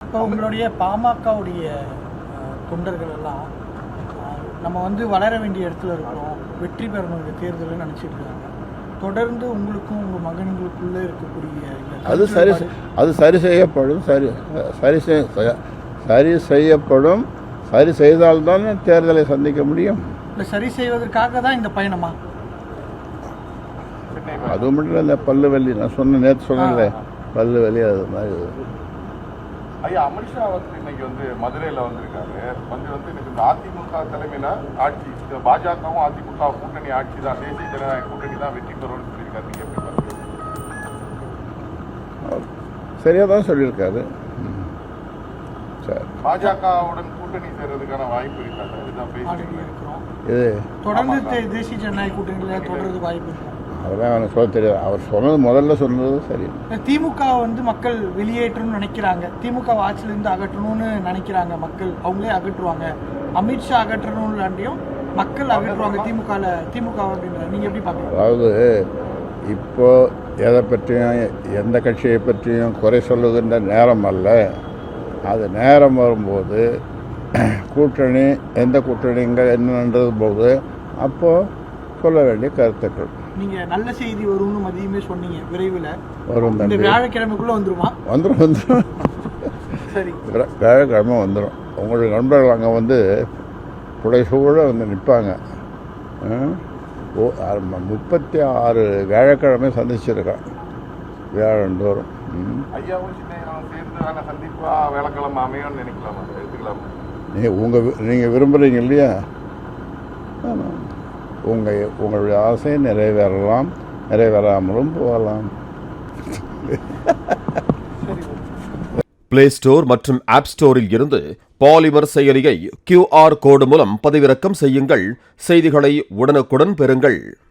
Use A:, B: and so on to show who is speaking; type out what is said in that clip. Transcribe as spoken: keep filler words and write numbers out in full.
A: இப்போ உங்களுடைய பாமகவுடைய தொண்டர்கள் எல்லாம் நம்ம வந்து வளர வேண்டிய இடத்துல இருக்கிறோம், வெற்றி பெறணும் இந்த தேர்தலில் நினச்சிட்டு இருக்காங்க. தொடர்ந்து உங்களுக்கும் உங்கள் மகன்களுக்குள்ளே இருக்கக்கூடிய
B: அது சரி அது சரி செய்யப்படும் சரி சரி செய்ய சரி செய்யப்படும் சரி செய்தால்தான் தேர்தலை சந்திக்க முடியும்.
A: இல்லை சரி செய்வதற்காக தான் இந்த பயணமா?
B: அது மட்டும் இல்லை, இந்த பல்லு வலி நான் சொன்ன நேற்று சொன்னேன்ல, பல்லு வலி அது மாதிரி.
C: ஐயா, அமித்ஷா வந்து இன்னைக்கு வந்து மதுரையில் வந்திருக்காரு. வந்து வந்து இன்னைக்கு இந்த அதிமுக தலைமையில ஆட்சி, பாஜகவும் அதிமுக கூட்டணி ஆட்சி தான், தேசிய ஜனநாயக கூட்டணி தான் வெற்றி பெறும்னு சொல்லியிருக்காரு. நீங்க எப்படி பாருங்க?
B: சரியா தான் சொல்லியிருக்காரு. சரி,
A: பாஜகவுடன் கூட்டணி சேர்றதுக்கான வாய்ப்பு இருக்காது, இதுதான் பேசிட்டு இருக்கிறோம். இது தொடர்ந்து தேசிய ஜனநாயக கூட்டணியில் தொடர்ந்து வாய்ப்பு இருக்கு.
B: அதெல்லாம் எனக்கு சொல்ல தெரியாது. அவர் சொன்னது முதல்ல சொன்னது சரி.
A: திமுக வந்து மக்கள் வெளியேற்றணும்னு நினைக்கிறாங்க, திமுக ஆட்சியிலிருந்து அகற்றணும்னு நினைக்கிறாங்க மக்கள், அவங்களே அகற்றுவாங்க. அமித்ஷா அகற்றணும்லாண்டியும் மக்கள் அகற்றுவாங்க திமுக திமுக அப்படின்ற நீங்க எப்படி பார்க்குறீங்க?
B: அதாவது இப்போ எதை பற்றியும் எந்த கட்சியை பற்றியும் குறை சொல்லுகின்ற நேரம் அல்ல. அது நேரம் வரும்போது கூட்டணி எந்த கூட்டணிங்க என்னன்றது போது அப்போது சொல்ல வேண்டிய கருத்துக்கள்.
A: நீங்க நல்ல செய்தி வரும்னு மதியமே சொன்னீங்க, விரைவில்
B: வரும்.
A: இந்த வியாழக்கிழமைக்குள்ள வந்துருமா?
B: வந்துடும் வந்துடும்
A: சரி,
B: வியாழக்கிழமை வந்துடும். உங்களுடைய நண்பர்கள் அங்கே வந்து புடைசூழ வந்து நிற்பாங்க. ஓ முப்பத்தி ஆறு வியாழக்கிழமை சந்திச்சிருக்கேன் வியாழந்தோறும். நீங்கள் உங்கள் நீங்கள் விரும்புகிறீங்க இல்லையா? உங்கள் உங்களுடைய ஆசை நிறைவேறலாம், நிறைவேறாமலும் போகலாம்.
D: பிளே ஸ்டோர் மற்றும் ஆப் ஸ்டோரில் இருந்து பாலிமர் செயலியை கியூ ஆர் கோடு மூலம் பதிவிறக்கம் செய்யுங்கள். செய்திகளை உடனுக்குடன் பெறுங்கள்.